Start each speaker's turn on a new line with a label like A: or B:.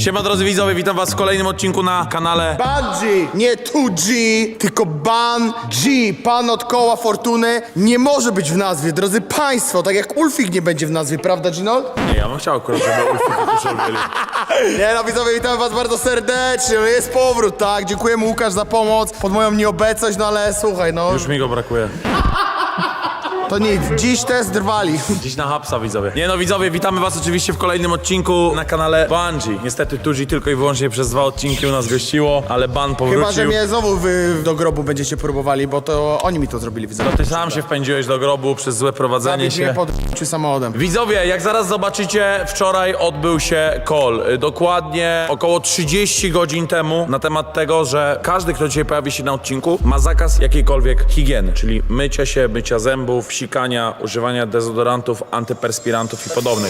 A: Siema drodzy widzowie, witam was w kolejnym odcinku na kanale
B: Bungie, nie 2G, tylko Ban-G. Pan od koła fortuny nie może być w nazwie, drodzy państwo, tak jak Ulfik nie będzie w nazwie, prawda Ginold?
A: Nie, ja bym chciał akurat, żeby Ulfik i Tuszol byli.
B: Nie no widzowie, witamy was bardzo serdecznie, no jest powrót, tak? Dziękujemy Łukasz za pomoc, pod moją nieobecność, no ale słuchaj, no
A: Już mi go brakuje.
B: to nic, dziś test drwali.
A: Dziś na hapsa widzowie. Nie no widzowie, witamy was oczywiście w kolejnym odcinku na kanale Bungie. Niestety 2G tylko i wyłącznie przez 2 odcinki u nas gościło, ale Ban powrócił.
B: Chyba, że mnie znowu wy do grobu będziecie próbowali, bo to oni mi to zrobili, widzowie.
A: To ty sam się wpędziłeś do grobu przez złe prowadzenie
B: Zabić mnie
A: się.
B: pod samochodem.
A: Widzowie, jak zaraz zobaczycie, wczoraj odbył się call. Dokładnie około 30 godzin temu na temat tego, że każdy, kto dzisiaj pojawi się na odcinku, ma zakaz jakiejkolwiek higieny, czyli mycia się, mycia zębów, sikania, używania dezodorantów, antyperspirantów i podobnych.